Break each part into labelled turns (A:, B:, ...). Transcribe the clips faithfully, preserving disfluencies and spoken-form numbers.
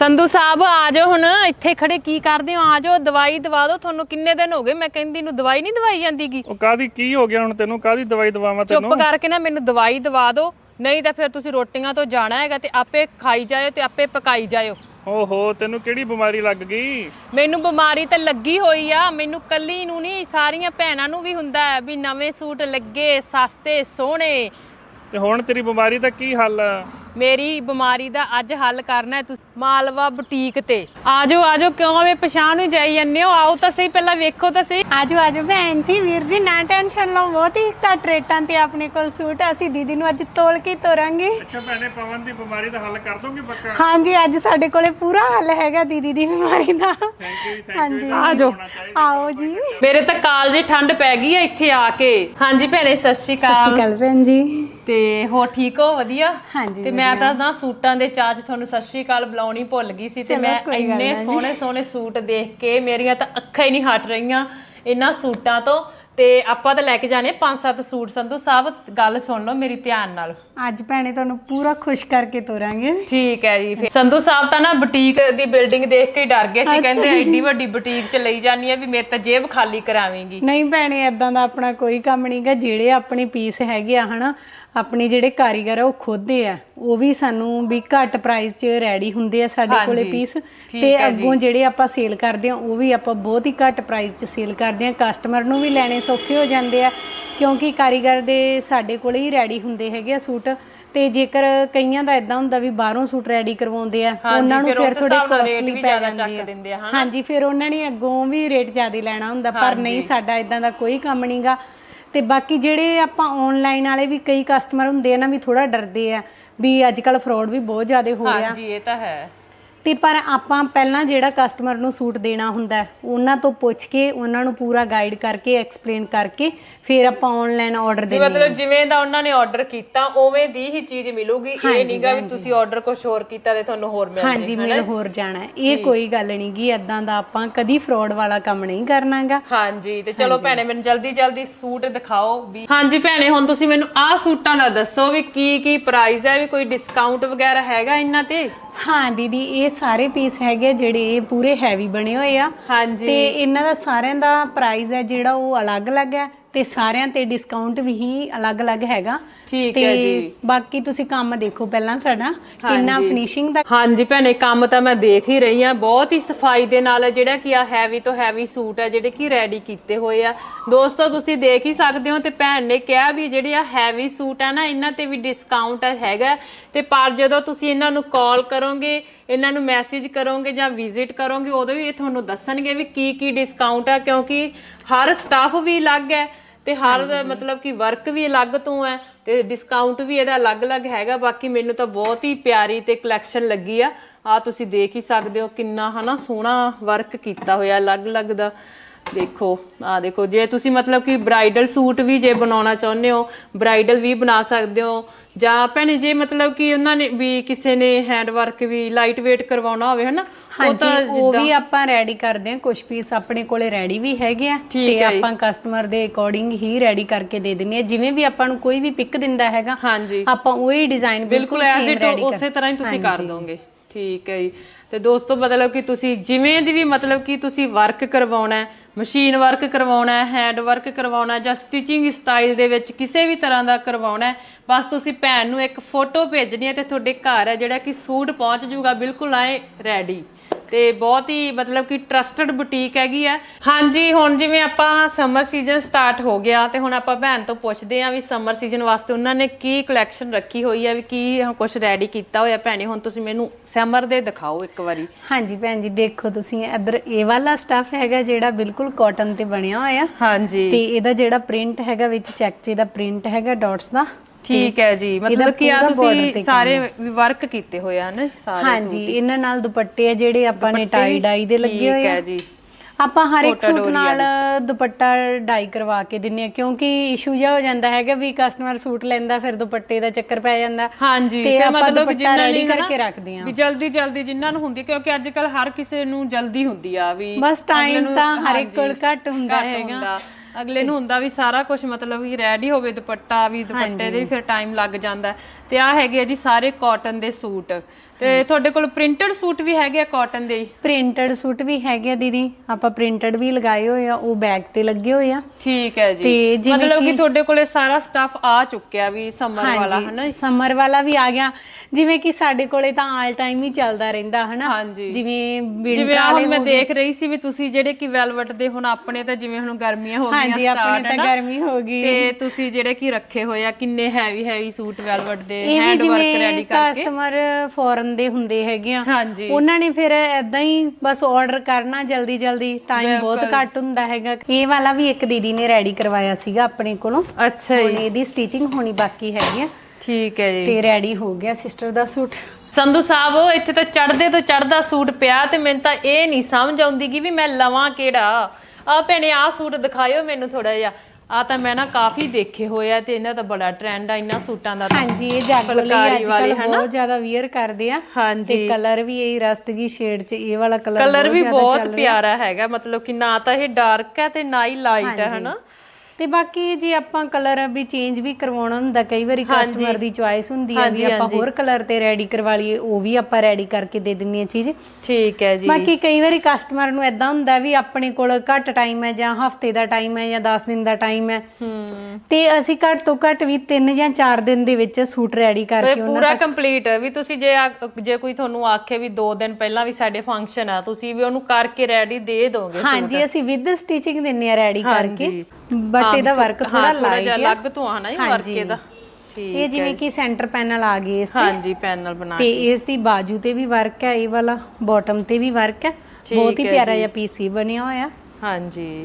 A: ਸੰਧੂ ਸਾਹਿਬ ਆ ਜਾਓ ਹੁਣ, ਇੱਥੇ ਖੜੇ ਕੀ ਕਰਦੇ ਹੋ? ਆ ਜਾਓ, ਦਵਾਈ ਦਵਾ ਦਿਓ ਤੁਹਾਨੂੰ। ਕਿੰਨੇ ਦਿਨ ਹੋ ਗਏ ਮੈਂ ਕਹਿੰਦੀ ਨੂੰ ਦਵਾਈ ਨਹੀਂ ਦਵਾਈ ਜਾਂਦੀਗੀ।
B: ਉਹ ਕਾਦੀ ਕੀ ਹੋ ਗਿਆ ਹੁਣ ਤੈਨੂੰ? ਕਾਦੀ ਦਵਾਈ ਦਵਾਵਾਂ ਤੈਨੂੰ?
A: ਚੁੱਪ ਕਰਕੇ ਨਾ ਮੈਨੂੰ ਦਵਾਈ ਦਵਾ ਦਿਓ, ਨਹੀਂ ਤਾਂ ਫਿਰ ਤੁਸੀਂ ਰੋਟੀਆਂ ਤੋਂ ਜਾਣਾ ਹੈਗਾ ਤੇ ਆਪੇ ਖਾਈ ਜਾਇਓ ਤੇ ਆਪੇ ਪਕਾਈ ਜਾਇਓ।
B: ਓਹੋ, ਤੈਨੂੰ ਕਿਹੜੀ ਬਿਮਾਰੀ ਲੱਗ ਗਈ?
A: ਮੈਨੂੰ ਬਿਮਾਰੀ ਤਾਂ ਲੱਗੀ ਹੋਈ ਆ, ਮੈਨੂੰ ਕੱਲੀ ਨੂੰ ਨਹੀਂ ਸਾਰੀਆਂ ਭੈਣਾਂ ਨੂੰ ਵੀ ਹੁੰਦਾ ਹੈ ਵੀ ਨਵੇਂ ਸੂਟ ਲੱਗੇ, ਸਸਤੇ ਸੋਹਣੇ।
B: ਤੇ ਹੁਣ ਤੇਰੀ ਬਿਮਾਰੀ ਦਾ ਕੀ ਹੱਲ ਆ?
A: ਮੇਰੀ ਬਿਮਾਰੀ ਦਾ ਅੱਜ ਹੱਲ ਕਰਨਾ ਹੈ ਤੁਸੀਂ ਮਾਲਵਾ ਬੁਟੀਕ ਤੇ ਆ ਜਾਓ। ਆ ਜਾਓ, ਕਿਉਂ ਐਵੇਂ ਪਛਾਣ ਨੂੰ ਜਾਈ ਜਾਂਦੇ ਹੋ? ਆਓ ਤਾਂ ਸਹੀ, ਪਹਿਲਾਂ ਵੇਖੋ ਤਾਂ ਸਹੀ।
C: ਆਜੋ ਆਜੋ ਭੈਣ ਜੀ, ਵੀਰ ਜੀ ਨਾ ਟੈਨਸ਼ਨ ਲਓ, ਬਹੁਤ ਹੀ ਘੱਟ ਰੇਟਾਂ ਤੇ ਆਪਣੇ ਕੋਲ ਸੂਟ ਅਸੀਂ ਦੀਦੀ ਨੂੰ ਅੱਜ ਤੋਲ ਕੇ ਤੋਰਾਂਗੇ।
B: ਅੱਛਾ ਭੈਣੇ, ਪਵਨ ਦੀ ਬਿਮਾਰੀ ਦਾ ਹੱਲ ਕਰ ਦੋਗੇ ਪੱਕਾ?
C: ਹਾਂਜੀ, ਅੱਜ ਸਾਡੇ ਕੋਲੇ ਪੂਰਾ ਹੱਲ ਹੈਗਾ ਦੀਦੀ ਦੀ ਬਿਮਾਰੀ ਦਾ।
B: ਥੈਂਕ ਯੂ ਥੈਂਕ
C: ਹਾਂਜੀ,
B: ਯੂ।
A: ਆ ਜਾਓ,
C: ਆਓ ਜੀ।
A: ਮੇਰੇ ਤਾਂ ਕਾਲਜੇ ਠੰਡ ਪੈ ਗਈ ਆ ਇੱਥੇ ਆ ਕੇ। ਹਾਂਜੀ ਭੈਣੇ, ਸਤਿ ਸ਼੍ਰੀ
C: ਸਤਿ ਸ਼੍ਰੀ
A: ਅਕਾਲ।
C: ਅਕਾਲ ਭੈਣ ਜੀ।
A: ਤੇ ਹੋਰ ਠੀਕ ਹੋ? ਵਧੀਆ।
C: ਹਾਂਜੀ,
A: ਤੇ ਮੈਂ ਤਾਂ ਨਾ ਸੂਟਾਂ ਦੇ ਚਾਅ 'ਚ ਤੁਹਾਨੂੰ ਸਤਿ ਸ਼੍ਰੀ ਅਕਾਲ ਬੁਲਾਉਣੀ ਭੁੱਲ ਗਈ ਸੀ ਤੇ
C: ਚਲੋ,
A: ਮੈਂ
C: ਕੋਈ ਗੱਲ
A: ਇੰਨੇ
C: ਨਹੀਂ।
A: ਸੋਹਣੇ ਸੋਹਣੇ ਸੂਟ ਦੇਖ ਕੇ ਮੇਰੀਆਂ ਤਾਂ ਅੱਖਾਂ ਹੀ ਨਹੀਂ ਹਟ ਰਹੀਆਂ ਇਹਨਾਂ ਸੂਟਾਂ ਤੋਂ। ਤੇ ਆਪਾਂ ਤਾਂ ਲੈ ਕੇ ਜਾਣੇ ਪੰਜ ਸੱਤ ਸੂਟ। ਸੰਧੂ ਸਾਹਿਬ ਗੱਲ ਸੁਣ ਲਓ ਮੇਰੀ ਧਿਆਨ ਨਾਲ।
C: ਅੱਜ ਭੈਣੇ ਤੁਹਾਨੂੰ ਪੂਰਾ ਖੁਸ਼ ਕਰਕੇ ਤੋਰਾਂਗੇ।
A: ਠੀਕ ਹੈ ਜੀ। ਫਿਰ ਸੰਧੂ ਸਾਹਿਬ ਤਾਂ ਨਾ ਬੁਟੀਕ ਦੀ ਬਿਲਡਿੰਗ ਦੇਖ ਕੇ ਹੀ ਡਰ ਗਏ ਸੀ, ਕਹਿੰਦੇ ਐਡੀ ਵੱਡੀ ਬੁਟੀਕ 'ਚ ਲਈ ਜਾਨੀ ਹੈ ਵੀ ਮੇਰੇ ਤਾਂ ਜੇਬ ਖਾਲੀ ਕਰਾਵੇਂਗੀ।
C: ਨਹੀਂ ਭੈਣੇ, ਏਦਾਂ ਦਾ ਆਪਣਾ ਕੋਈ ਕੰਮ ਨਹੀਂਗਾ। ਜਿਹੜੇ ਆਪਣੇ ਪੀਸ ਹੈਗੇ ਆ ਹਨਾ, ਆਪਣੇ ਜਿਹੜੇ ਕਾਰੀਗਰ ਆ ਉਹ ਖੁਦ ਆ, ਉਹ ਵੀ ਸਾਨੂੰ ਵੀ ਘੱਟ ਪ੍ਰਾਈਸ 'ਚ ਰੈਡੀ ਹੁੰਦੇ ਆ ਸਾਡੇ ਕੋਲੇ ਪੀਸ। ਤੇ ਅੱਗੋਂ ਜਿਹੜੇ ਆਪਾਂ ਸੇਲ ਕਰਦੇ ਆ ਉਹ ਵੀ ਆਪਾਂ ਬਹੁਤ ਹੀ ਘੱਟ ਪ੍ਰਾਈਸ 'ਚ ਸੇਲ ਕਰਦੇ ਆ। ਕਸਟਮਰ ਨੂੰ ਵੀ ਲੈਣੇ ਸੌਖੇ ਹੋ ਜਾਂਦੇ ਆ ਕਿਉਂਕਿ ਕਾਰੀਗਰ ਦੇ ਸਾਡੇ ਕੋਲੇ ਹੀ ਰੈਡੀ ਹੁੰਦੇ ਹੈਗੇ ਆ ਸੂਟ। ਤੇ ਜੇਕਰ ਕਈਆਂ ਦਾ ਇਦਾਂ ਹੁੰਦਾ ਵੀ ਬਾਹਰੋਂ ਸੂਟ ਰੈਡੀ ਕਰਵਾਉਂਦੇ ਆ, ਉਹਨਾਂ ਨੂੰ ਫਿਰ ਥੋੜੇ ਕਾਸਟਲੀ ਪੈ ਜਾਂਦੇ ਆ। ਹਾਂਜੀ, ਫਿਰ ਉਹਨਾਂ ਨੇ ਅੱਗੋਂ ਵੀ ਰੇਟ ਜ਼ਿਆਦਾ ਲੈਣਾ ਹੁੰਦਾ, ਪਰ ਨਹੀਂ, ਸਾਡਾ ਇਦਾਂ ਦਾ ਕੋਈ ਕੰਮ ਨਹੀਂਗਾ। ਤੇ ਬਾਕੀ ਜਿਹੜੇ ਆਪਾਂ ਆਨਲਾਈਨ ਵਾਲੇ ਵੀ ਕਈ ਕਸਟਮਰ ਹੁੰਦੇ ਆ ਨਾ ਵੀ ਥੋੜਾ ਡਰਦੇ ਆ ਵੀ ਅੱਜ ਕੱਲ ਫਰਾਡ ਵੀ ਬਹੁਤ ਜ਼ਿਆਦਾ ਹੋ ਰਿਹਾ।
A: ਹਾਂਜੀ, ਇਹ ਤਾਂ ਹੈ।
C: ਤੇ ਪਰ ਆਪਾਂ ਪਹਿਲਾਂ ਜਿਹੜਾ ਕਸਟਮਰ ਨੂੰ ਸੂਟ ਦੇਣਾ ਹੁੰਦਾ ਉਹਨਾਂ ਤੋਂ ਪੁੱਛ ਕੇ ਉਹਨਾਂ ਨੂੰ ਪੂਰਾ ਗਾਈਡ ਕਰਕੇ ਐਕਸਪਲੇਨ ਕਰਕੇ ਫਿਰ ਆਪਾਂ ਆਨਲਾਈਨ ਆਰਡਰ ਦੇਣਾ।
A: ਮਤਲਬ ਜਿਵੇਂ ਦਾ ਉਹਨਾਂ ਨੇ ਆਰਡਰ ਕੀਤਾ ਉਵੇਂ ਦੀ ਹੀ ਚੀਜ਼ ਮਿਲੂਗੀ। ਇਹ ਨਹੀਂਗਾ ਵੀ ਤੁਸੀਂ ਆਰਡਰ ਕੁਝ ਹੋਰ ਕੀਤਾ ਤੇ ਤੁਹਾਨੂੰ ਹੋਰ ਮਿਲ ਜੇ।
C: ਹਾਂਜੀ, ਮਿਲ ਹੋਰ ਜਾਣਾ, ਇਹ ਕੋਈ ਗੱਲ ਨਹੀਂਗੀ। ਏਦਾਂ ਦਾ ਆਪਾਂ ਕਦੀ ਫਰਾਡ ਵਾਲਾ ਕੰਮ ਨਹੀਂ ਕਰਨਾਗਾ।
A: ਹਾਂਜੀ, ਤੇ ਚਲੋ ਭੈਣੇ ਮੈਨੂੰ ਜਲਦੀ ਜਲਦੀ ਸੂਟ ਦਿਖਾਓ ਵੀ। ਹਾਂਜੀ ਭੈਣੇ, ਹੁਣ ਤੁਸੀਂ ਮੈਨੂੰ ਆਹ ਸੂਟਾਂ ਦਾ ਦੱਸੋ ਵੀ ਕੀ ਕੀ ਪ੍ਰਾਈਸ ਹੈ, ਵੀ ਕੋਈ ਡਿਸਕਾਊਂਟ ਵਗੈਰਾ ਹੈਗਾ ਇਹਨਾਂ ਤੇ?
C: ਹਾਂ ਦੀਦੀ, ਇਹ ਸਾਰੇ ਪੀਸ ਹੈਗੇ ਜਿਹੜੇ ਇਹ ਪੂਰੇ ਹੈਵੀ ਬਣੇ ਹੋਏ ਆ।
A: ਹਾਂਜੀ,
C: ਤੇ ਇਹਨਾਂ ਦਾ ਸਾਰਿਆਂ ਦਾ ਪ੍ਰਾਈਸ ਹੈ ਜਿਹੜਾ ਉਹ ਅਲੱਗ-ਅਲੱਗ ਹੈ ਤੇ ਸਾਰਿਆਂ ਤੇ ਡਿਸਕਾਊਂਟ ਵੀ ਹੀ ਅਲੱਗ-ਅਲੱਗ ਹੈਗਾ।
A: ਠੀਕ ਹੈ ਜੀ।
C: ਬਾਕੀ ਤੁਸੀਂ ਕੰਮ ਦੇਖੋ ਪਹਿਲਾਂ ਸਾਡਾ ਕਿੰਨਾ ਫਿਨਿਸ਼ਿੰਗ ਦਾ।
A: ਹਾਂਜੀ ਭੈਣੇ, ਕੰਮ ਤਾਂ ਮੈਂ ਦੇਖ ਹੀ ਰਹੀ ਆ, ਬਹੁਤ ਹੀ ਸਫਾਈ ਦੇ ਨਾਲ ਜਿਹੜਾ ਕਿ ਆ ਹੈਵੀ ਤੋਂ ਹੈਵੀ ਸੂਟ ਹੈ ਜਿਹੜੇ ਕਿ ਰੈਡੀ ਕੀਤੇ ਹੋਏ ਆ। ਦੋਸਤੋ ਤੁਸੀਂ ਦੇਖ ਹੀ ਸਕਦੇ ਹੋ। ਤੇ ਭੈਣ ਨੇ ਕਿਹਾ ਵੀ ਜਿਹੜੇ ਆ ਹੈਵੀ ਸੂਟ ਆ ਨਾ ਇਹਨਾਂ ਤੇ ਵੀ ਡਿਸਕਾਊਂਟ ਹੈਗਾ। ਤੇ ਪਰ ਜਦੋਂ ਤੁਸੀਂ ਇਹਨਾਂ ਨੂੰ ਕਾਲ ਕਰੋਗੇ, ਇਹਨਾਂ ਨੂੰ ਮੈਸੇਜ ਕਰੋਗੇ ਜਾਂ ਵਿਜ਼ਿਟ ਕਰੋਗੇ, ਉਦੋਂ ਵੀ ਇਹ ਤੁਹਾਨੂੰ ਦੱਸਣਗੇ ਵੀ ਕੀ ਕੀ ਡਿਸਕਾਊਂਟ ਆ, ਕਿਉਂਕਿ ਹਰ ਸਟਾਫ ਵੀ ਅਲੱਗ ਹੈ ਤੇ ਹਰ ਮਤਲਬ ਕਿ ਵਰਕ ਵੀ ਅਲੱਗ ਤੋਂ ਹੈ ਤੇ ਡਿਸਕਾਊਂਟ ਵੀ ਇਹਦਾ ਅਲੱਗ-ਅਲੱਗ ਹੈਗਾ। ਬਾਕੀ ਮੈਨੂੰ ਤਾਂ ਬਹੁਤ ਹੀ ਪਿਆਰੀ ਤੇ ਕਲੈਕਸ਼ਨ ਲੱਗੀ ਆ। ਆ ਤੁਸੀਂ ਦੇਖ ਹੀ ਸਕਦੇ ਹੋ ਕਿੰਨਾ ਹਨਾ ਸੋਹਣਾ ਵਰਕ ਕੀਤਾ ਹੋਇਆ ਅਲੱਗ-ਅਲੱਗ ਦਾ। ਦੇਖੋ, ਆ ਦੇਖੋ, ਜੇ ਤੁਸੀਂ ਮਤਲਬ ਕਿ ਬ੍ਰਾਈਡਲ ਸੂਟ ਵੀ ਜੇ ਬਣਾਉਣਾ ਚਾਹੁੰਦੇ ਹੋ, ਬ੍ਰਾਈਡਲ ਵੀ ਬਣਾ ਸਕਦੇ ਹੋ। ਜਾਂ ਭੈਣੇ ਜੇ ਮਤਲਬ ਕਿ ਉਹਨਾਂ ਨੇ ਵੀ ਕਿਸੇ ਨੇ ਹੈਂਡ ਵਰਕ ਵੀ ਲਾਈਟ ਵੇਟ ਕਰਵਾਉਣਾ ਹੋਵੇ ਹਨਾ,
C: ਹਾਂਜੀ, ਉਹ ਵੀ ਆਪਾਂ ਰੈਡੀ ਕਰਦੇ ਹਾਂ। ਕੁਝ ਪੀਸ ਆਪਣੇ ਕੋਲੇ ਰੈਡੀ ਵੀ ਹੈਗੇ ਆ ਤੇ ਆਪਾਂ ਕਸਟਮਰ ਦੇ ਅਕੋਰਡਿੰਗ ਹੀ ਰੈਡੀ ਕਰਕੇ ਦੇ ਦਿੰਨੇ ਆ। ਜਿਵੇਂ ਵੀ ਆਪਾਂ ਨੂੰ ਕੋਈ ਵੀ ਪਿਕ ਦਿੰਦਾ ਹੈਗਾ,
A: ਹਾਂਜੀ,
C: ਆਪਾਂ ਉਹੀ ਡਿਜ਼ਾਈਨ
A: ਬਿਲਕੁਲ ਐਜ਼ ਇਟ ਉਸੇ ਤਰ੍ਹਾਂ ਹੀ ਤੁਸੀਂ ਕਰ ਦੋਗੇ। ਠੀਕ ਹੈ ਜੀ। ਤੇ ਦੋਸਤੋ ਮਤਲਬ ਕਿ ਤੁਸੀਂ ਜਿਵੇਂ ਦੀ ਵੀ ਮਤਲਬ ਕਿ ਤੁਸੀਂ ਵਰਕ ਕਰਵਾਉਣਾ ਹੈ, ਮਸ਼ੀਨ ਵਰਕ ਕਰਵਾਉਣਾ ਹੈ, ਹੈਂਡ ਵਰਕ ਕਰਵਾਉਣਾ ਜਾਂ ਸਟਿਚਿੰਗ ਸਟਾਈਲ ਦੇ ਵਿੱਚ ਕਿਸੇ ਵੀ ਤਰ੍ਹਾਂ ਦਾ ਕਰਵਾਉਣਾ ਹੈ, ਬਸ ਤੁਸੀਂ ਭੈਣ ਨੂੰ ਇੱਕ ਫੋਟੋ ਭੇਜਣੀ ਹੈ ਤੇ ਤੁਹਾਡੇ ਘਰ ਹੈ ਜਿਹੜਾ ਕਿ ਸੂਟ ਪਹੁੰਚ ਜਾਊਗਾ ਬਿਲਕੁਲ ਐ ਰੈਡੀ। ਤੇ ਬਹੁਤ ਹੀ ਮਤਲਬ ਕਿ ਟਰਸਟਡ ਬੁਟੀਕ ਹੈਗੀ ਆ। ਹਾਂਜੀ, ਹੁਣ ਜਿਵੇਂ ਆਪਾਂ ਸਮਰ ਸੀਜ਼ਨ ਸਟਾਰਟ ਹੋ ਗਿਆ ਤੇ ਹੁਣ ਆਪਾਂ ਭੈਣ ਤੋਂ ਪੁੱਛਦੇ ਆਂ ਵੀ ਸਮਰ ਸੀਜ਼ਨ ਵਾਸਤੇ ਉਹਨਾਂ ਨੇ ਕੀ ਕਲੈਕਸ਼ਨ ਰੱਖੀ ਹੋਈ ਆ, ਵੀ ਕੀ ਕੁਝ ਰੈਡੀ ਕੀਤਾ ਹੋਇਆ। ਭੈਣੇ ਹੁਣ ਤੁਸੀਂ ਮੈਨੂੰ ਸਮਰ ਦੇ ਦਿਖਾਓ ਇੱਕ ਵਾਰੀ।
C: ਹਾਂਜੀ ਭੈਣ ਜੀ, ਦੇਖੋ ਤੁਸੀਂ ਇੱਧਰ ਇਹ ਵਾਲਾ ਸਟਫ ਹੈਗਾ ਜਿਹੜਾ ਬਿਲਕੁਲ ਕਾਟਨ ਤੇ ਬਣਿਆ ਹੋਇਆ।
A: ਹਾਂਜੀ, ਤੇ
C: ਇਹਦਾ ਜਿਹੜਾ ਪ੍ਰਿੰਟ ਹੈਗਾ ਵਿੱਚ ਚੈੱਕ ਦਾ ਪ੍ਰਿੰਟ ਹੈਗਾ ਡਾਟਸ ਦਾ।
A: ਠੀਕ ਹੈ ਜੀ। ਮਤਲਬ ਕਿ ਆ ਤੁਸੀਂ ਸਾਰੇ ਵਰਕ ਕੀਤੇ ਹੋਏ ਆ ਨਾ ਸਾਰੇ।
C: ਹਾਂਜੀ, ਇਹਨਾਂ ਨਾਲ ਦੁਪੱਟੇ ਆ ਜਿਹੜੇ ਆਪਾਂ ਨੇ ਟਾਈ ਡਾਈ ਦੇ ਲੱਗੇ ਹੋਏ ਆ ਜੀ। ਆਪਾਂ ਹਰ ਇੱਕ ਸੂਟ ਨਾਲ ਦੁਪੱਟਾ ਡਾਈ ਕਰਵਾ ਕੇ ਦਿੰਨੇ ਆ ਕਿਉਂਕਿ ਇਸ਼ੂ ਜਿਹਾ ਹੋ ਜਾਂਦਾ ਹੈਗਾ ਵੀ ਕਸਟਮਰ ਸੂਟ ਲੈਂਦਾ ਫਿਰ ਦੁਪੱਟੇ ਦਾ ਚੱਕਰ ਪੈ ਜਾਂਦਾ।
A: ਹਾਂਜੀ, ਫਿਰ ਮਤਲਬ ਜਿੰਨਾ
C: ਰੈਡੀ ਕਰਕੇ ਰੱਖਦੇ ਆ
A: ਵੀ ਜਲਦੀ ਜਲਦੀ ਜਿੰਨਾਂ ਨੂੰ ਹੁੰਦੀ, ਕਿਉਂਕਿ ਅੱਜ ਕੱਲ ਹਰ ਕਿਸੇ ਨੂੰ ਜਲਦੀ ਹੁੰਦੀ ਆ ਵੀ
C: ਬਸ ਟਾਈਮ ਤਾਂ ਹਰ ਇੱਕ ਕੋਲ ਘੱਟ ਹੁੰਦਾ ਹੈਗਾ।
A: ਅਗਲੇ ਨੂੰ ਹੁੰਦਾ ਵੀ ਸਾਰਾ ਕੁਝ ਮਤਲਬ ਕਿ ਰੈਡੀ ਹੋਵੇ, ਦੁਪੱਟਾ ਵੀ, ਦੁਪੱਟੇ ਦੇ ਵੀ ਫਿਰ ਟਾਈਮ ਲੱਗ ਜਾਂਦਾ। ਤੇ ਆ ਹੈਗੇ ਜੀ ਸਾਰੇ ਕਾਟਨ ਦੇ ਸੂਟ। ਤੇ ਤੁਹਾਡੇ ਕੋਲ ਪ੍ਰਿੰਟਡ ਸੂਟ ਵੀ ਹੈਗੇ ਆ ਕਾਟਨ ਦੇ?
C: ਪ੍ਰਿੰਟਡ ਸੂਟ ਵੀ ਹੈਗੇ ਆ ਦੀਦੀ, ਆਪਾਂ ਪ੍ਰਿੰਟਡ ਵੀ ਲਗਾਏ ਹੋਏ ਆ, ਉਹ ਬੈਗ ਤੇ ਲੱਗੇ ਹੋਏ ਆ।
A: ਠੀਕ ਹੈ ਜੀ।
C: ਤੇ ਜਿਵੇਂ
A: ਮਤਲਬ ਕਿ ਤੁਹਾਡੇ ਕੋਲੇ ਸਾਰਾ ਸਟਫ ਆ ਚੁੱਕਿਆ ਵੀ ਸਮਰ ਵਾਲਾ ਹਨਾ?
C: ਸਮਰ ਵਾਲਾ ਵੀ ਆ ਗਿਆ, ਜਿਵੇਂ ਕਿ ਸਾਡੇ ਕੋਲੇ ਤਾਂ ਆਲ ਟਾਈਮ ਹੀ ਚੱਲਦਾ ਰਹਿੰਦਾ ਹਨਾ।
A: ਹਾਂਜੀ।
C: ਜਿਵੇਂ
A: ਜਿਵੇਂ ਹੁਣ ਮੈਂ ਦੇਖ ਰਹੀ ਸੀ ਵੀ ਤੁਸੀਂ ਜਿਹੜੇ ਕਿ ਵੈਲਵਟ ਦੇ, ਹੁਣ ਆਪਣੇ ਤਾਂ ਜਿਵੇਂ ਹੁਣ ਗਰਮੀਆਂ ਹੋ ਗਈਆਂ
C: ਹਾਂਜੀ ਆਪਣੇ ਤਾਂ ਗਰਮੀ ਹੋ ਗਈ,
A: ਤੇ ਤੁਸੀਂ ਜਿਹੜੇ ਕਿ ਰੱਖੇ ਹੋਏ ਆ ਕਿੰਨੇ ਹੈਵੀ ਹੈਵੀ ਸੂਟ ਵੈਲਵਟ ਦੇ
C: ਇਹ ਵੀ
A: ਹੈਂਡ ਵਰਕ
C: ਜਿਵੇਂ
A: ਰੈਡੀ ਕਰਕੇ।
C: ਕਸਟਮਰ ਫੋਰਨ ਦੇ ਹੁੰਦੇ ਹੈਗੇ ਆ,
A: ਹਾਂਜੀ।
C: ਉਹਨਾਂ ਨੇ ਫਿਰ ਏਦਾਂ ਹੀ ਬਸ ਆਰਡਰ ਕਰਨਾ ਜਲਦੀ ਜਲਦੀ, ਟਾਈਮ ਬਹੁਤ ਘੱਟ ਹੁੰਦਾ ਹੈਗਾ। ਇਹ ਵਾਲਾ ਵੀ ਇੱਕ ਦੀਦੀ ਨੇ ਰੈਡੀ ਕਰਵਾਇਆ ਸੀਗਾ ਆਪਣੇ ਕੋਲੋਂ।
A: ਅੱਛਾ
C: ਹੁਣ
A: ਜੀ।
C: ਇਹਦੀ ਸਟਿਚਿੰਗ ਹੋਣੀ ਬਾਕੀ ਹੈਗੀ ਆ।
A: ਠੀਕ ਹੈ ਜੀ।
C: ਤੇ ਰੈਡੀ ਹੋ ਗਿਆ ਸਿਸਟਰ ਦਾ ਸੂਟ।
A: ਸੰਧੂ ਸਾਹਿਬ ਇੱਥੇ ਤਾਂ ਚੜਦੇ ਤੋਂ ਚੜਦਾ ਸੂਟ ਪਿਆ ਤੇ ਮੈਨੂੰ ਤਾਂ ਇਹ ਨਹੀਂ ਸਮਝ ਆਉਂਦੀ ਕਿ ਵੀ ਮੈਂ ਲਵਾਂ ਕਿਹੜਾ। ਆ ਭੈਣੇ ਆ ਸੂਟ ਦਿਖਾਇਓ ਮੈਨੂੰ ਥੋੜਾ ਜਿਹਾ। ਆ ਤਾਂ ਮੈਂ ਨਾ ਕਾਫੀ ਦੇਖੇ ਹੋਏ ਆ ਤੇ ਇਹਨਾਂ ਦਾ ਬੜਾ ਟ੍ਰੈਂਡ ਆ ਇਹਨਾਂ ਸੂਟਾਂ ਦਾ।
C: ਹਾਂਜੀ ਇਹ ਜਾਗੋ ਲਈ ਅੱਜ ਕੱਲ ਬਹੁਤ ਜ਼ਿਆਦਾ ਵੀਅਰ ਕਰਦੇ ਆ। ਤੇ ਕਲਰ ਵੀ ਇਹ ਰਸਟ ਜੀ ਸ਼ੇਡ ਚ ਇਹ ਵਾਲਾ ਕਲਰ
A: ਕਲਰ ਵੀ ਬਹੁਤ ਪਿਆਰਾ ਹੈਗਾ, ਮਤਲਬ ਕਿ ਨਾ ਤਾਂ ਇਹ ਡਾਰਕ ਹੈ ਤੇ ਨਾ ਹੀ ਲਾਈਟ ਹੈ ਹਨਾ।
C: ਤੇ ਬਾਕੀ ਜੇ ਆਪਾਂ ਕਲਰ ਵੀ ਚੇਂਜ ਵੀ ਕਰਵਾਉਣਾ ਹੁੰਦਾ, ਕਈ ਵਾਰੀ ਕਸਟਮਰ ਦੀ ਚੁਆਇਸ ਹੁੰਦੀ ਹੈ ਵੀ ਆਪਾਂ ਹੋਰ ਕਲਰ ਤੇ ਰੈਡੀ ਕਰਵਾ ਲਈਏ, ਉਹ ਵੀ ਆਪਾਂ ਰੈਡੀ ਕਰਕੇ ਦੇ ਦਿੰਨੀ ਆ ਚੀਜ਼।
A: ਠੀਕ ਹੈ ਜੀ।
C: ਬਾਕੀ ਕਈ ਵਾਰੀ ਕਸਟਮਰ ਨੂੰ ਏਦਾਂ ਹੁੰਦਾ ਵੀ ਆਪਣੇ ਕੋਲ ਘੱਟ ਟਾਈਮ ਹੈ ਜਾਂ ਹਫਤੇ ਦਾ ਟਾਈਮ ਹੈ ਜਾਂ ਦਸ ਦਿਨ ਦਾ ਟਾਈਮ ਹੈ, ਤੇ ਅਸੀਂ ਘੱਟ ਤੋਂ ਘੱਟ ਵੀ ਤਿੰਨ ਜਾਂ ਚਾਰ ਦਿਨ ਦੇ ਵਿੱਚ ਸੂਟ ਰੈਡੀ ਕਰਕੇ
A: ਪੂਰਾ ਕੰਪਲੀਟ ਵੀ ਤੁਸੀਂ ਜੇ ਜੇ ਕੋਈ ਤੁਹਾਨੂੰ ਆਖੇ ਵੀ ਦੋ ਦਿਨ ਪਹਿਲਾਂ ਵੀ ਸਾਡੇ ਫੰਕਸ਼ਨ ਆ, ਤੁਸੀਂ ਵੀ ਉਹਨੂੰ ਕਰਕੇ ਰੈਡੀ ਦੇ ਦੋਗੇ?
C: ਹਾਂਜੀ ਅਸੀਂ ਵਿਦ ਸਟਿਚਿੰਗ ਦਿੰਨੇ ਆ ਰੈਡੀ ਕਰਕੇ, ਬਟ ਇਹਦਾ ਵਰਕ ਥੋੜਾ ਲਾਈਟ ਹੈ,
A: ਅਲੱਗ ਤੋਂ ਆ ਨਾ ਇਹ ਵਰਕ ਇਹਦਾ।
C: ਇਹ ਜਿਵੇਂ ਕਿ ਸੈਂਟਰ ਪੈਨਲ ਆ ਗਏ ਇਸ ਤੇ।
A: ਹਾਂਜੀ ਪੈਨਲ ਬਣਾ
C: ਤੇ ਇਸ ਦੀ ਬਾਜੂ ਤੇ ਵੀ ਵਰਕ ਹੈ, ਇਹ ਵਾਲਾ ਬਾਟਮ ਤੇ ਵੀ ਵਰਕ ਹੈ। ਬਹੁਤ ਹੀ ਪਿਆਰਾ ਜਿਹਾ ਪੀਸ ਬਣਿਆ ਹੋਇਆ।
A: ਹਾਂਜੀ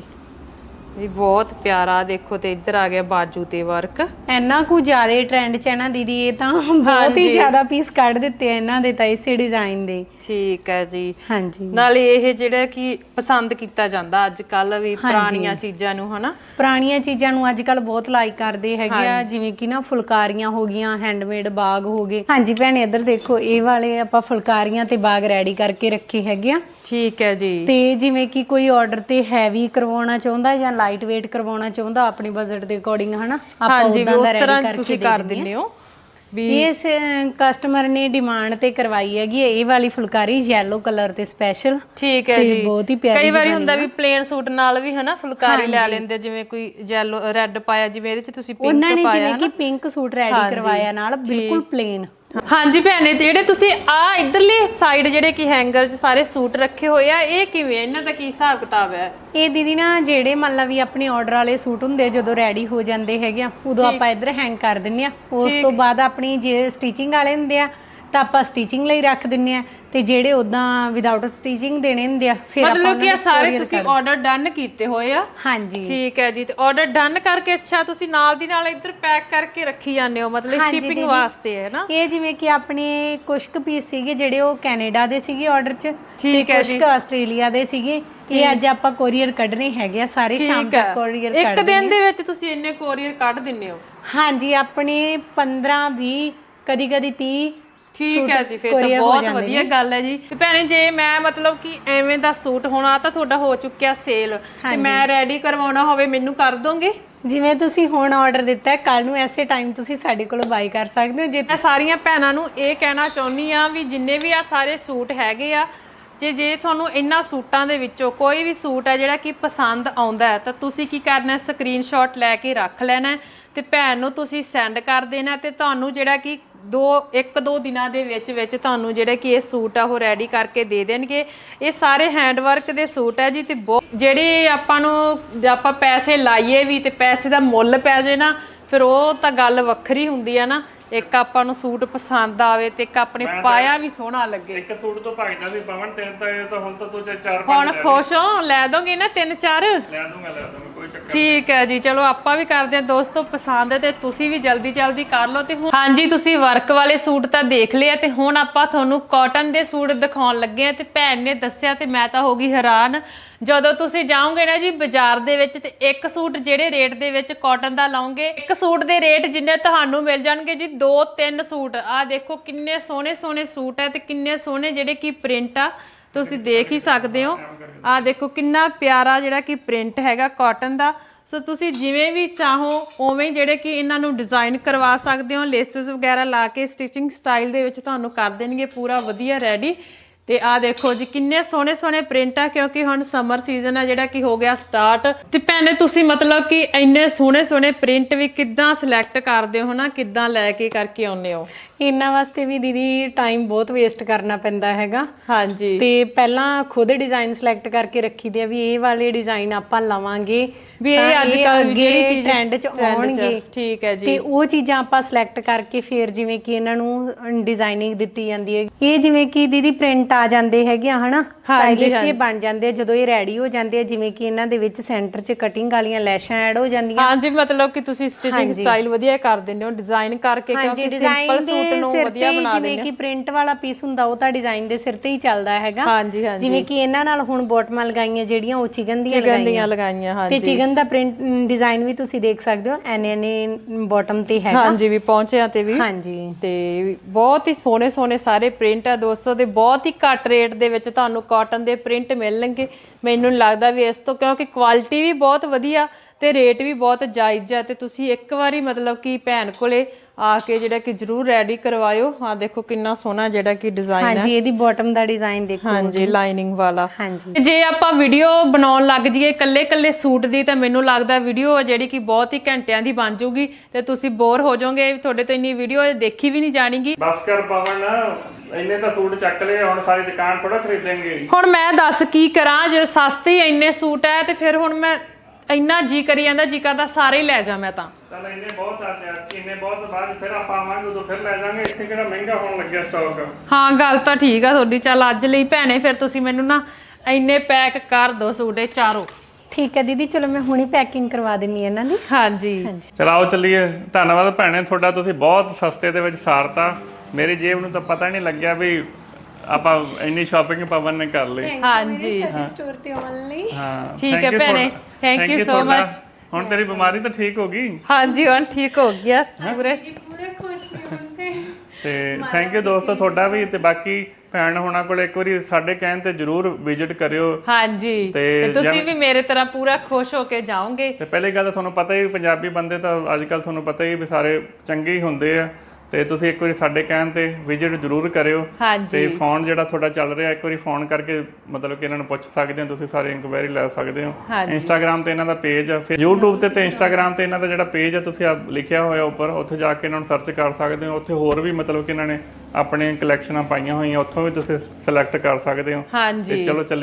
A: ਇਹ ਬਹੁਤ ਪਿਆਰਾ। ਦੇਖੋ ਤੇ ਇੱਧਰ ਆ ਗਿਆ ਬਾਜੂ ਤੇ ਵਰਕ।
C: ਇੰਨਾ ਕੁ ਜ਼ਿਆਦਾ ਟ੍ਰੈਂਡ ਚ ਹੈ ਨਾ ਦੀਦੀ, ਇਹ ਤਾਂ ਬਹੁਤ ਹੀ ਜ਼ਿਆਦਾ ਪੀਸ ਕੱਢ ਦਿੱਤੇ ਆ ਇਹਨਾਂ ਦੇ ਤਾਂ ਇਸੇ ਡਿਜ਼ਾਈਨ ਦੇ।
A: ਠੀਕ ਹੈ ਜੀ।
C: ਹਾਂਜੀ
A: ਨਾਲੇ ਇਹ ਜਿਹੜਾ ਕਿ ਪਸੰਦ ਕੀਤਾ ਜਾਂਦਾ ਅੱਜ ਕੱਲ ਵੀ ਪੁਰਾਣੀਆਂ ਚੀਜ਼ਾਂ ਨੂੰ ਹਨਾ।
C: ਪੁਰਾਣੀਆਂ ਚੀਜ਼ਾਂ ਨੂੰ ਅੱਜ ਕੱਲ ਬਹੁਤ ਲਾਈਕ ਕਰਦੇ ਹੈਗੇ ਆ, ਜਿਵੇਂ ਕਿ ਨਾ ਫੁਲਕਾਰੀਆਂ ਹੋ ਗਈਆਂ, ਹੈਂਡਮੇਡ ਬਾਗ ਹੋ ਗਏ। ਹਾਂਜੀ ਭੈਣੇ ਇੱਧਰ ਦੇਖੋ, ਇਹ ਵਾਲੇ ਆਪਾਂ ਫੁਲਕਾਰੀਆਂ ਤੇ ਬਾਗ ਰੈਡੀ ਕਰਕੇ ਰੱਖੇ ਹੈਗੇ ਆ।
A: ਠੀਕ ਹੈ ਜੀ।
C: ਤੇ ਜਿਵੇਂ ਕਿ ਕੋਈ ਆਰਡਰ ਤੇ ਹੈਵੀ ਕਰਵਾਉਣਾ ਚਾਹੁੰਦਾ ਜਾਂ ਲਾਈਟ ਵੇਟ ਕਰਵਾਉਣਾ ਚਾਹੁੰਦਾ ਆਪਣੇ ਬਜਟ ਦੇ ਅਕੋਰਡਿੰਗ ਹਨਾ, ਆਪਾਂ ਉਦਾਂ ਦਾ ਰੈਡੀ ਕਰਕੇ
A: ਤੁਸੀਂ ਕਰ ਦਿੰਦੇ ਹੋ ਵੀ।
C: ਇਸ ਕਸਟਮਰ ਨੇ ਡਿਮਾਂਡ ਤੇ ਕਰਵਾਈ ਹੈਗੀ ਇਹ ਵਾਲੀ ਫੁਲਕਾਰੀ ਯੈਲੋ ਕਲਰ ਤੇ ਸਪੈਸ਼ਲ।
A: ਠੀਕ ਹੈ ਜੀ।
C: ਬਹੁਤ ਹੀ ਪਿਆਰੀ।
A: ਕਈ ਵਾਰੀ ਹੁੰਦਾ ਵੀ ਪਲੇਨ ਸੂਟ ਨਾਲ ਵੀ ਹਨਾ ਫੁਲਕਾਰੀ ਲੈ ਲੈਂਦੇ, ਜਿਵੇਂ ਕੋਈ ਯੈਲੋ ਰੈੱਡ ਪਾਇਆ, ਜਿਵੇਂ ਇਹਦੇ ਚ ਤੁਸੀਂ ਪਿੰਕ ਪਾਇਆ।
C: ਉਹਨਾਂ ਨੇ ਜਿਵੇਂ ਕਿ ਪਿੰਕ ਸੂਟ ਰੈਡੀ ਕਰਵਾਇਆ ਨਾਲ ਬਿਲਕੁਲ ਪਲੇਨ।
A: ਹਾਂਜੀ ਭੈਣੇ, ਜਿਹੜੇ ਤੁਸੀਂ ਆ ਇਧਰਲੇ ਸਾਈਡ ਜਿਹੜੇ ਕਿ ਹੈਂਗਰ 'ਚ ਸਾਰੇ ਸੂਟ ਰੱਖੇ ਹੋਏ ਆ, ਇਹ ਕਿਵੇਂ, ਇਹਨਾਂ ਦਾ ਕੀ ਹਿਸਾਬ ਕਿਤਾਬ ਹੈ?
C: ਇਹ ਦੀਦੀ ਨਾ ਜਿਹੜੇ ਮੰਨ ਲਾ ਵੀ ਆਪਣੇ ਆਰਡਰ ਵਾਲੇ ਸੂਟ ਹੁੰਦੇ ਜਦੋਂ ਰੈਡੀ ਹੋ ਜਾਂਦੇ ਹੈਗੇ ਆ, ਉਦੋਂ ਆਪਾਂ ਇੱਧਰ ਹੈਂਗ ਕਰ ਦਿੰਨੇ ਆ। ਉਸ ਤੋਂ ਬਾਅਦ ਆਪਣੀ ਜੇ ਸਟਿਚਿੰਗ ਵਾਲੇ ਹੁੰਦੇ ਆ ਤਾਂ ਆਪਾਂ ਸਟਿਚਿੰਗ ਲਈ ਰੱਖ ਦਿੰਨੇ ਆ, ਤੇ ਜਿਹੜੇ ਉਦਾਂ ਵਿਦਆਊਟ ਸਟਿਚਿੰਗ ਦੇਣੇ ਹੁੰਦੇ ਆ ਫਿਰ ਆਪਾਂ
A: ਮਤਲਬ ਕਿ ਸਾਰੇ ਤੁਸੀਂ ਆਰਡਰ ਡਨ ਕੀਤੇ ਹੋਏ ਆ?
C: ਹਾਂਜੀ
A: ਠੀਕ ਹੈ ਜੀ। ਤੇ ਆਰਡਰ ਡਨ ਕਰਕੇ ਅੱਛਾ ਤੁਸੀਂ ਨਾਲ ਦੀ ਨਾਲ ਇੱਧਰ ਪੈਕ ਕਰਕੇ ਰੱਖੀ ਜਾਂਦੇ ਹੋ, ਮਤਲਬ ਸ਼ਿਪਿੰਗ ਵਾਸਤੇ ਹੈ ਨਾ?
C: ਇਹ ਜਿਵੇਂ ਕਿ ਆਪਣੇ ਕੁਝ ਕੁ ਪੀਸ ਸੀਗੇ ਜਿਹੜੇ ਉਹ ਕੈਨੇਡਾ ਦੇ ਸੀਗੇ ਆਰਡਰ 'ਚ, ਤੇ ਕੁਝ ਕੁ ਆਸਟ੍ਰੇਲੀਆ ਦੇ ਸੀਗੇ। ਇਹ ਅੱਜ ਆਪਾਂ ਕੋਰੀਅਰ ਕੱਢਣੇ ਹੈਗੇ ਆ ਸਾਰੇ, ਸ਼ਾਮ ਤੱਕ ਕੋਰੀਅਰ ਕੱਢ
A: ਇੱਕ ਦਿਨ ਦੇ ਵਿੱਚ ਤੁਸੀਂ ਇੰਨੇ ਕੋਰੀਅਰ ਕੱਢ ਦਿੰਦੇ ਹੋ?
C: ਹਾਂਜੀ ਆਪਣੇ ਪੰਦਰਾਂ ਵੀਹ ਕਦੀ ਕਦੀ ਤੀਹ।
A: ਠੀਕ ਹੈ ਜੀ, ਫਿਰ ਤਾਂ ਬਹੁਤ ਵਧੀਆ ਗੱਲ ਹੈ ਜੀ। ਤੇ ਭੈਣੇ ਜੇ ਮੈਂ ਮਤਲਬ ਕਿ ਐਵੇਂ ਦਾ ਸੂਟ ਹੋਣਾ ਤਾਂ ਤੁਹਾਡਾ ਹੋ ਚੁੱਕਿਆ ਸੇਲ, ਤੇ ਮੈਂ ਰੈਡੀ ਕਰਵਾਉਣਾ ਹੋਵੇ ਮੈਨੂੰ ਕਰ ਦੋਗੇ?
C: ਜਿਵੇਂ ਤੁਸੀਂ ਹੁਣ ਆਰਡਰ ਦਿੱਤਾ ਹੈ, ਕੱਲ ਨੂੰ ਐਸੇ ਟਾਈਮ ਤੁਸੀਂ ਸਾਡੇ ਕੋਲੋਂ ਬਾਈ ਕਰ ਸਕਦੇ ਹੋ। ਜੇ
A: ਮੈਂ ਸਾਰੀਆਂ ਭੈਣਾਂ ਨੂੰ ਇਹ ਕਹਿਣਾ ਚਾਹੁੰਦੀ ਆ ਵੀ ਜਿੰਨੇ ਵੀ ਆ ਸਾਰੇ ਸੂਟ ਹੈਗੇ ਆ, ਜੇ ਜੇ ਤੁਹਾਨੂੰ ਇਹਨਾਂ ਸੂਟਾਂ ਦੇ ਵਿੱਚੋਂ ਕੋਈ ਵੀ ਸੂਟ ਹੈ ਜਿਹੜਾ ਕਿ ਪਸੰਦ ਆਉਂਦਾ ਹੈ ਤਾਂ ਤੁਸੀਂ ਕੀ ਕਰਨਾ, ਸਕਰੀਨਸ਼ਾਟ ਲੈ ਕੇ ਰੱਖ ਲੈਣਾ ਤੇ ਭੈਣ ਨੂੰ ਤੁਸੀਂ ਸੈਂਡ ਕਰ ਦੇਣਾ, ਤੇ ਤੁਹਾਨੂੰ ਜਿਹੜਾ ਕਿ ਦੋ ਇੱਕ ਦੋ ਦਿਨਾਂ ਦੇ ਵਿੱਚ ਵਿੱਚ ਤੁਹਾਨੂੰ ਜਿਹੜੇ ਕਿ ਇਹ ਸੂਟ ਆ ਉਹ ਰੈਡੀ ਕਰਕੇ ਦੇ ਦੇਣਗੇ। ਇਹ ਸਾਰੇ ਹੈਂਡ ਵਰਕ ਦੇ ਸੂਟ ਹੈ ਜੀ, ਤੇ ਜਿਹੜੇ ਆਪਾਂ ਨੂੰ ਆਪਾਂ ਪੈਸੇ ਲਾਈਏ ਵੀ ਤੇ ਪੈਸੇ ਦਾ ਮੁੱਲ ਪੈ ਜੇ ਨਾ, ਫਿਰ ਉਹ ਤਾਂ ਗੱਲ ਵੱਖਰੀ ਹੁੰਦੀ ਆ ਨਾ। ਇੱਕ ਆਪਾਂ ਨੂੰ ਸੂਟ ਪਸੰਦ ਆਵੇ ਤੇ ਇੱਕ ਆਪਣੇ ਪਾਇਆ ਵੀ ਸੋਹਣਾ ਲੱਗੇ।
B: ਇੱਕ ਸੂਟ ਤੋਂ ਭਜਦਾ ਵੀ ਪਵਨ, ਤਿੰਨ ਤਾਂ ਇਹ ਤਾਂ ਹੁਣ ਤਾਂ ਤੂੰ ਚਾਰ ਪੰਜ
A: ਹੁਣ ਖੁਸ਼ ਹੋ, ਲੈ ਦੋਗੇ ਨਾ ਤਿੰਨ ਚਾਰ?
B: ਲੈ ਦੂੰਗਾ ਲੈ ਦੂੰਗਾ ਕੋਈ ਚੱਕਰ।
A: ਠੀਕ ਹੈ ਜੀ, ਚਲੋ ਆਪਾਂ ਵੀ ਕਰਦੇ ਹਾਂ ਦੋਸਤੋ ਪਸੰਦ, ਤੇ ਤੁਸੀਂ ਵੀ ਜਲਦੀ ਜਲਦੀ ਕਰ ਲਓ। ਤੇ ਹੁਣ ਹਾਂਜੀ ਤੁਸੀਂ ਵਰਕ ਵਾਲੇ ਸੂਟ ਤਾਂ ਦੇਖ ਲਿਆ, ਤੇ ਹੁਣ ਆਪਾਂ ਤੁਹਾਨੂੰ ਕਾਟਨ ਦੇ ਸੂਟ ਦਿਖਾਉਣ ਲੱਗੇ ਆ। ਤੇ ਭੈਣ ਨੇ ਦੱਸਿਆ ਤੇ ਮੈਂ ਤਾਂ ਹੋ ਗਈ ਹੈਰਾਨ, ਜਦੋਂ ਤੁਸੀਂ ਜਾਓਗੇ ਨਾ ਜੀ ਬਾਜ਼ਾਰ ਦੇ ਵਿੱਚ, ਤੇ ਇੱਕ ਸੂਟ ਜਿਹੜੇ ਰੇਟ ਦੇ ਵਿੱਚ ਕਾਟਨ ਦਾ ਲਾਓਗੇ, ਇੱਕ ਸੂਟ ਦੇ ਰੇਟ ਜਿੰਨੇ ਤੁਹਾਨੂੰ ਮਿਲ ਜਾਣਗੇ ਜੀ ਦੋ ਤਿੰਨ ਸੂਟ। ਆਹ ਦੇਖੋ ਕਿੰਨੇ ਸੋਹਣੇ ਸੋਹਣੇ ਸੂਟ ਹੈ, ਤੇ ਕਿੰਨੇ ਸੋਹਣੇ ਜਿਹੜੇ ਕਿ ਪ੍ਰਿੰਟ ਆ, ਤੁਸੀਂ ਦੇਖ ਹੀ ਸਕਦੇ ਹੋ। ਆਹ ਦੇਖੋ ਕਿੰਨਾ ਪਿਆਰਾ ਜਿਹੜਾ ਕਿ ਪ੍ਰਿੰਟ ਹੈਗਾ ਕਾਟਨ ਦਾ। ਸੋ ਤੁਸੀਂ ਜਿਵੇਂ ਵੀ ਚਾਹੋ ਉਵੇਂ ਜਿਹੜੇ ਕਿ ਇਹਨਾਂ ਨੂੰ ਡਿਜ਼ਾਈਨ ਕਰਵਾ ਸਕਦੇ ਹੋ। ਲੇਸਿਸ ਵਗੈਰਾ ਲਾ ਕੇ ਸਟਿਚਿੰਗ ਸਟਾਈਲ ਦੇ ਵਿੱਚ ਤੁਹਾਨੂੰ ਕਰ ਦੇਣਗੇ ਪੂਰਾ ਵਧੀਆ ਰੈਡੀ। ਤੇ ਆ ਦੇਖੋ ਜੀ ਕਿੰਨੇ ਸੋਹਣੇ ਸੋਹਣੇ ਪ੍ਰਿੰਟ ਆ, ਕਿਉਂਕਿ ਹੁਣ ਸਮਰ ਸੀਜ਼ਨ ਆ ਜਿਹੜਾ ਕਿ ਹੋ ਗਿਆ ਸਟਾਰਟ। ਤੇ ਭੈਣੇ ਤੁਸੀਂ ਮਤਲਬ ਕਿ ਇੰਨੇ ਸੋਹਣੇ ਸੋਹਣੇ ਪ੍ਰਿੰਟ ਵੀ ਕਿੱਦਾਂ ਸਿਲੈਕਟ ਕਰਦੇ ਹੋ ਨਾ, ਕਿੱਦਾਂ ਲੈ ਕੇ ਕਰਕੇ ਆਉਂਦੇ ਹੋ?
C: ਇਹਨਾਂ ਵਾਸਤੇ ਵੀ ਦੀਦੀ ਟਾਈਮ ਬਹੁਤ ਵੇਸਟ ਕਰਨਾ ਪੈਂਦਾ ਹੈਗਾ।
A: ਹਾਂਜੀ,
C: ਤੇ ਪਹਿਲਾਂ ਖੁਦ ਡਿਜ਼ਾਈਨ ਸਿਲੈਕਟ ਕਰਕੇ ਰੱਖੀਦੇ ਆ ਵੀ ਇਹ ਵਾਲੇ ਡਿਜ਼ਾਈਨ ਆਪਾਂ ਲਵਾਂਗੇ
A: ਵੀ ਇਹ ਅੱਜ ਕੱਲ ਜਿਹੜੀ ਚੀਜ਼
C: ਟ੍ਰੈਂਡ 'ਚ ਆਉਣਗੇ।
A: ਠੀਕ ਹੈ ਜੀ।
C: ਤੇ ਉਹ ਚੀਜ਼ਾਂ ਆਪਾਂ ਸਿਲੈਕਟ ਕਰਕੇ ਫਿਰ ਜਿਵੇਂ ਕਿ ਇਹਨਾਂ ਨੂੰ ਡਿਜ਼ਾਈਨਿੰਗ ਦਿੱਤੀ ਜਾਂਦੀ ਹੈ। ਇਹ ਜਿਵੇਂ ਕਿ ਦੀਦੀ ਪ੍ਰਿੰਟ ਆ ਜਾਂਦੇ ਹੈਗੇ ਆ ਹਨਾ, ਸਟਾਈਲਿਸ਼ ਜੇ ਬਣ ਜਾਂਦੇ ਆ ਜਦੋਂ ਇਹ ਰੈਡੀ ਹੋ ਜਾਂਦੇ ਆ। ਜਿਵੇਂ ਕਿ ਇਹਨਾਂ ਦੇ ਵਿੱਚ ਸੈਂਟਰ 'ਚ ਕਟਿੰਗ ਵਾਲੀਆਂ ਲੈਸ਼ਾਂ ਐਡ ਹੋ ਜਾਂਦੀਆਂ।
A: ਹਾਂਜੀ, ਮਤਲਬ ਕਿ ਤੁਸੀਂ ਸਟਿਚਿੰਗ ਸਟਾਈਲ ਵਧੀਆ ਕਰ ਦਿੰਦੇ ਹੋ ਡਿਜ਼ਾਈਨ ਕਰਕੇ, ਕਿਉਂਕਿ ਸਿੰਪਲ ਸੂਟ ਨੂੰ ਵਧੀਆ ਬਣਾ ਦਿੰਦੇ ਹੋ।
C: ਜਿਵੇਂ ਕਿ ਪ੍ਰਿੰਟ ਵਾਲਾ ਪੀਸ ਹੁੰਦਾ ਉਹ ਤਾਂ ਡਿਜ਼ਾਈਨ ਦੇ ਸਿਰ ਤੇ ਹੀ ਚੱਲਦਾ ਹੈਗਾ।
A: ਹਾਂਜੀ ਹਾਂਜੀ,
C: ਜਿਵੇਂ ਕਿ ਇਹਨਾਂ ਨਾਲ ਹੁਣ ਬੋਟਮਾਂ ਲਗਾਈਆਂ ਜਿਹੜੀਆਂ ਉਹ ਚਿਕਨ ਦੀਆਂ
A: ਲਗਾਈਆਂ ਲਗਾਈਆਂ ਹਾਂਜੀ।
C: ਤੇ ਚਿਕਨ ਦਾ ਪ੍ਰਿੰਟ ਡਿਜ਼ਾਈਨ ਵੀ ਤੁਸੀਂ ਦੇਖ ਸਕਦੇ ਹੋ, ਐਨੇ ਐਨੇ ਬਾਟਮ ਤੇ ਹੈਗਾ।
A: ਹਾਂਜੀ, ਵੀ ਪਹੁੰਚਿਆ ਤੇ ਵੀ।
C: ਹਾਂਜੀ,
A: ਤੇ ਬਹੁਤ ਹੀ ਸੋਹਣੇ ਸੋਹਣੇ ਸਾਰੇ ਪ੍ਰਿੰਟ ਆ ਦੋਸਤੋ, ਤੇ ਬਹੁਤ ਹੀ ਘੱਟ ਰੇਟ ਦੇ ਵਿੱਚ ਤੁਹਾਨੂੰ ਕਾਟਨ ਦੇ ਪ੍ਰਿੰਟ ਮਿਲਣਗੇ। ਮੈਨੂੰ ਲੱਗਦਾ ਵੀ ਇਸ ਤੋਂ, ਕਿਉਂਕਿ ਕੁਆਲਿਟੀ ਵੀ ਬਹੁਤ ਵਧੀਆ ਤੇ ਰੇਟ ਵੀ ਬਹੁਤ ਜਾਇਜ਼ ਆ। ਤੇ ਤੁਸੀਂ ਇੱਕ ਵਾਰੀ ਮਤਲਬ ਕਿ ਭੈਣ ਕੋਲੇ ਆ ਕੇ ਜਿਹੜਾ ਕਿ ਜਰੂਰ ਰੈਡੀ ਕਰਵਾਇਓ। ਹਾਂ ਦੇਖੋ ਕਿੰਨਾ ਸੋਹਣਾ ਜਿਹੜਾ ਕਿ ਡਿਜ਼ਾਈਨ ਹੈ।
C: ਹਾਂਜੀ, ਇਹਦੀ ਬਾਟਮ ਦਾ ਡਿਜ਼ਾਈਨ ਦੇਖੋ।
A: ਹਾਂਜੀ, ਲਾਈਨਿੰਗ ਵਾਲਾ।
C: ਹਾਂਜੀ,
A: ਜੇ ਆਪਾਂ ਵੀਡੀਓ ਬਣਾਉਣ ਲੱਗ ਜਾਈਏ ਕੱਲੇ ਕੱਲੇ ਸੂਟ ਦੀ, ਤਾਂ ਮੈਨੂੰ ਲੱਗਦਾ ਵੀਡੀਓ ਜਿਹੜੀ ਕਿ ਬਹੁਤ ਹੀ ਘੰਟਿਆਂ ਦੀ ਬਣ ਜਾਊਗੀ ਤੇ ਤੁਸੀਂ ਬੋਰ ਹੋ ਜਾਓਗੇ। ਤੁਹਾਡੇ ਤੋਂ ਇੰਨੀ ਵੀਡੀਓ ਦੇਖੀ ਵੀ ਨਹੀਂ ਜਾਣੀਗੀ।
B: ਬਸ ਕਰ ਪਵਨ, ਇੰਨੇ ਤਾਂ ਸੂਟ ਚੱਕ ਲਏ, ਹੁਣ ਸਾਰੀ ਦੁਕਾਨ ਥੋੜਾ ਖਰੀਦੇਂਗੇ।
A: ਹੁਣ ਮੈਂ ਦੱਸ ਕੀ ਕਰਾਂ, ਜੇ ਸਸਤੇ ਹੀ ਇੰਨੇ ਸੂਟ ਹੈ ਤੇ ਫਿਰ ਹੁਣ ਮੈਂ ਇੰਨਾ ਜੀ ਕਰੀ ਜਾਂਦਾ, ਜੀ ਕਰਦਾ ਸਾਰੇ ਹੀ ਲੈ ਜਾ ਮੈਂ ਤਾਂ।
B: ਚੱਲ ਇੰਨੇ ਬਹੁਤ ਆ ਤੇ ਇੰਨੇ ਬਹੁਤ ਬਾਅਦ ਫਿਰ ਆਪਾਂ ਆਵਾਂਗੇ ਉਦੋਂ ਫਿਰ ਲੈ ਜਾਾਂਗੇ। ਇੱਥੇ ਕਿਹੜਾ ਮਹਿੰਗਾ ਹੋਣ ਲੱਗਿਆ ਸਟਾਕ।
A: ਹਾਂ ਗੱਲ ਤਾਂ ਠੀਕ ਆ ਤੁਹਾਡੀ। ਚੱਲ ਅੱਜ ਲਈ ਭੈਣੇ ਫਿਰ ਤੁਸੀਂ ਮੈਨੂੰ ਨਾ ਇੰਨੇ ਪੈਕ ਕਰ ਦੋ ਸੂਟ ਇਹ ਚਾਰੋਂ।
C: ਠੀਕ ਹੈ ਦੀਦੀ, ਚਲੋ ਮੈਂ ਹੁਣੀ ਪੈਕਿੰਗ ਕਰਵਾ ਦਿੰਨੀ ਇਹਨਾਂ ਦੀ।
A: ਹਾਂਜੀ,
B: ਚਲ ਆਓ ਚੱਲੀਏ। ਧੰਨਵਾਦ ਭੈਣੇ ਤੁਹਾਡਾ, ਤੁਸੀਂ ਬਹੁਤ ਸਸਤੇ ਦੇ ਵਿੱਚ ਸਾਰਤਾ। ਮੇਰੀ ਜੇਬ ਨੂੰ ਤਾਂ ਪਤਾ ਨਹੀਂ ਲੱਗਿਆ ਵੀ ਆਪਾਂ ਇੰਨੀ ਸ਼ਾਪਿੰਗ ਪਵਨ ਨੇ ਕਰ ਲਈ।
A: ਹਾਂਜੀ,
C: ਸਟੋਰ ਤੇ ਆਉਣ ਲਈ।
B: ਹਾਂ
A: ਠੀਕ ਹੈ ਭੈਣੇ, ਥੈਂਕ ਯੂ ਸੋ ਮਚ।
B: ਹੁਣ ਤੇਰੀ ਬਿਮਾਰੀ ਤਾਂ ਠੀਕ ਹੋ ਗਈ?
A: ਹਾਂਜੀ, ਹੁਣ ਠੀਕ ਹੋ ਗਿਆ ਪੂਰੇ
C: ਪੂਰੇ ਖੁਸ਼ ਹੋਣਗੇ।
B: ਤੇ ਥੈਂਕ ਯੂ ਦੋਸਤੋ ਤੁਹਾਡਾ ਵੀ। ਤੇ ਬਾਕੀ ਭੈਣ ਹੋਣਾ ਕੋਲ ਇੱਕ ਵਾਰੀ ਸਾਡੇ ਕਹਿਣ ਤੇ ਜਰੂਰ ਵਿਜ਼ਿਟ ਕਰਿਓ।
A: ਹਾਂਜੀ, ਤੇ ਤੁਸੀਂ ਵੀ ਮੇਰੇ ਤਰ੍ਹਾਂ ਪੂਰਾ ਖੁਸ਼ ਹੋ ਕੇ ਜਾਓਗੇ।
B: ਤੇ ਪਹਿਲੀ ਗੱਲ ਤਾਂ ਤੁਹਾਨੂੰ ਪਤਾ ਹੀ, ਪੰਜਾਬੀ ਬੰਦੇ ਤਾਂ ਅੱਜ ਕੱਲ ਤੁਹਾਨੂੰ ਪਤਾ ਹੀ ਵੀ ਸਾਰੇ ਚੰਗੇ ਹੀ ਹੁੰਦੇ ਆ। ਤੇ ਤੁਸੀਂ ਇੱਕ ਵਾਰੀ ਸਾਡੇ ਕਹਿਣ ਤੇ ਵਿਜ਼ਿਟ ਜ਼ਰੂਰ ਕਰਿਓ। ਤੇ ਫੋਨ ਜਿਹੜਾ ਤੁਹਾਡਾ ਚੱਲ ਰਿਹਾ, ਇੱਕ ਵਾਰੀ ਫੋਨ ਕਰਕੇ ਮਤਲਬ ਕਿ ਇਹਨਾਂ ਨੂੰ ਪੁੱਛ ਸਕਦੇ ਹੋ, ਤੁਸੀਂ ਸਾਰੇ ਇਨਕੁਆਇਰੀ ਲੈ ਸਕਦੇ ਹੋ। ਇੰਸਟਾਗ੍ਰਾਮ ਤੇ ਇਹਨਾਂ ਦਾ ਪੇਜ ਆ, ਫਿਰ YouTube ਤੇ ਤੇ ਇੰਸਟਾਗ੍ਰਾਮ ਤੇ ਇਹਨਾਂ ਦਾ ਜਿਹੜਾ ਪੇਜ ਆ ਤੁਸੀਂ ਆ ਲਿਖਿਆ ਹੋਇਆ ਉੱਪਰ, ਉੱਥੇ ਜਾ ਕੇ ਇਹਨਾਂ ਨੂੰ ਸਰਚ ਕਰ ਸਕਦੇ ਹੋ। ਉੱਥੇ ਹੋਰ ਵੀ ਮਤਲਬ ਕਿ ਇਹਨਾਂ ਨੇ ਆਪਣੀਆਂ ਕਲੈਕਸ਼ਨਾਂ ਪਾਈਆਂ ਹੋਈਆਂ, ਉੱਥੋਂ ਵੀ ਤੁਸੀਂ ਸਿਲੈਕਟ ਕਰ ਸਕਦੇ ਹੋ।
A: ਹਾਂਜੀ,
B: ਚਲੋ ਚੱਲ